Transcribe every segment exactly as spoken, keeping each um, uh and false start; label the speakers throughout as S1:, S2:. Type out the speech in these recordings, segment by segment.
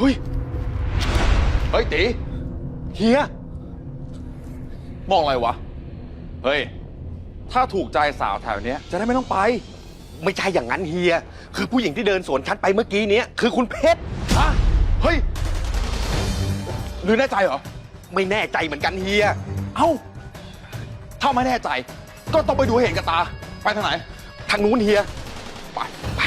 S1: ฮ้ยเฮ้ยตีเฮียมองอะไรวะเฮ้ยถ้าถูกใจสาวแถวเนี้ยจะได้ไม่ต้องไปไม่ใช่อย่างนั้นเฮียคือผู้หญิงที่เดินสวนฉันไปเมื่อกี้เนี้ยคือคุณเพชรฮะเฮ้ยหรือแน่ใจเหรอไม่แน่ใจเหมือนกันเฮียเอ้าถ้าไม่แน่ใจก็ต้องไปดูเห็นกับตาไปทางไหนทางนู้นเฮียไปไป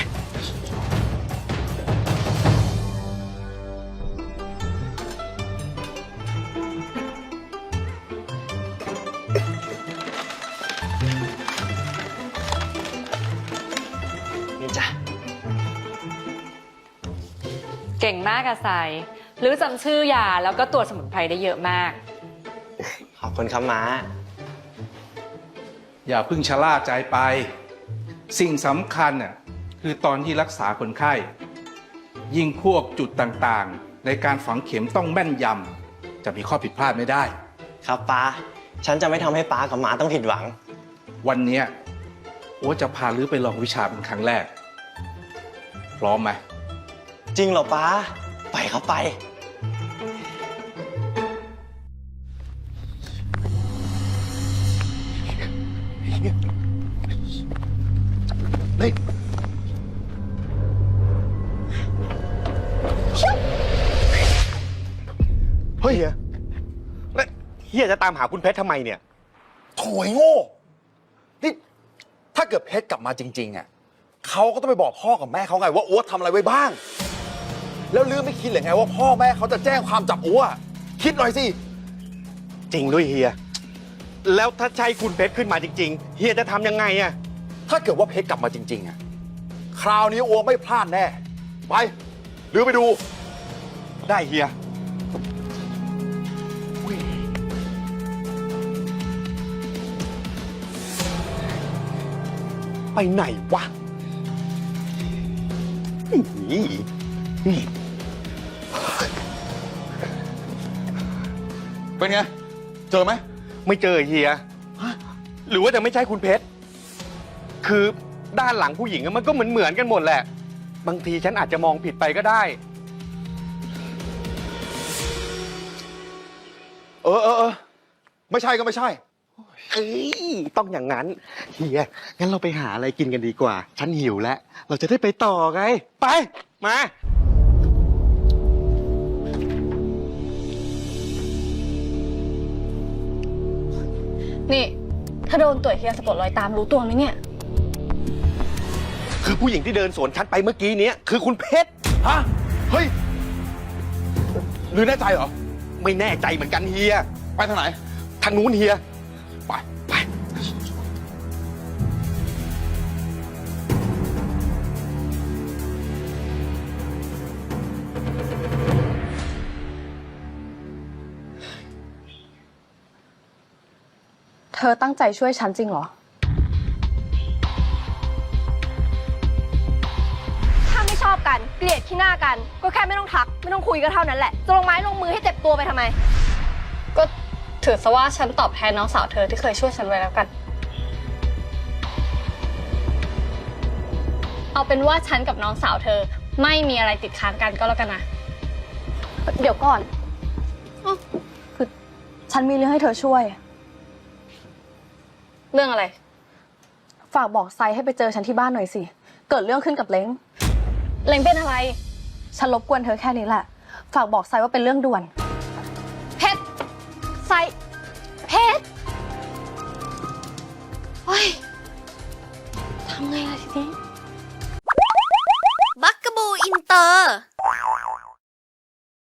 S1: นี่จ้ะ
S2: เก่งมากอะไซหรือจำชื่อยาแล้วก็ตัวสมุนไพรได้เยอะมาก
S3: ขอบคุณครับม้า
S4: อย่าเพิ่งชะล่าใจไปสิ่งสำคัญน่ะคือตอนที่รักษาคนไข้ยิ่งพวกจุดต่างๆในการฝังเข็มต้องแม่นยำจะมีข้อผิดพลาดไม่ได้
S3: ครับป้าฉันจะไม่ทำให้ป้ากับม้าต้องผิดหวัง
S4: วันนี้โอ้จะพาลื้อไปลองวิชาเป็นครั้งแรกพร้อมไหม
S3: จริงเหรอป้าไปครับไป
S1: เฮ้ยเฮ้ยเฮียแล้วเฮียจะตามหาคุณเพชรทำไมเนี่ยโถยโง่นี่ถ้าเกิดเพชรกลับมาจริงๆอ่ะเขาก็ต้องไปบอกพ่อกับแม่เขาไงว่าอ้วทำอะไรไว้บ้างแล้วลือไม่คิดเลยไงว่าพ่อแม่เขาจะแจ้งความจับอ้วคิดหน่อยสิจริงด้วยเฮียแล้วถ้าใช่คุณเพชรขึ้นมาจริงๆเฮียจะทำยังไงอ่ะถ้าเกิดว่าเพชรกลับมาจริงๆอ่ะคราวนี้อ้วไม่พลาดแน่ไปหรือไปดูได้เฮียไปไหนวะนี่เป็นไงเจอไหมไม่เจอเฮียหรือว่าจะไม่ใช่คุณเพชรคือด้านหลังผู้หญิงมันก็เหมือนเหมือนกันหมดแหละบางทีฉันอาจจะมองผิดไปก็ได้เออเออเออไม่ใช่ก็ไม่ใช่เอ้ยต้องอย่างนั้นเฮียงั้นเราไปหาอะไรกินกันดีกว่าฉันหิวแล้วเราจะได้ไปต่อไงไปมา
S5: นี่ถ้าโดนตรวจเฮียสะกดรอยตามรู้ตัวไหมเนี่ย
S1: คือผู้หญิงที่เดินสวนฉันไปเมื่อกี้เนี้ยคือคุณเพชรฮะเฮ้ยหรือแน่ใจเหรอไม่แน่ใจเหมือนกันเฮียไปทางไหนทางนู้นเฮียไปไป
S5: เธอตั้งใจช่วยฉันจริงเหรอ
S6: ถ้าไม่ชอบกันเกลียดขี้หน้ากันก็แค่ไม่ต้องทักไม่ต้องคุยก็เท่านั้นแหละจะลงไม้ลงมือให้เจ็บตัวไปทำไม
S5: ก็ถือซะว่าฉันตอบแทนน้องสาวเธอที่เคยช่วยฉันไว้แล้วกันเอาเป็นว่าฉันกับน้องสาวเธอไม่มีอะไรติดค้างกันก็แล้วกันนะเดี๋ยวก่อนคือฉันมีเรื่องให้เธอช่วยเรื่องอะไรฝากบอกไซให้ไปเจอฉันที่บ้านหน่อยสิเกิดเรื่องขึ้นกับเล้งเล้งเป็นอะไรฉันรบกวนเธอแค่นี้แหละฝากบอกไซว่าเป็นเรื่องด่วน
S6: เพชรไซเพชรโอ้ยทำไงล่ะทีนี้บักกะบูอินเตอร์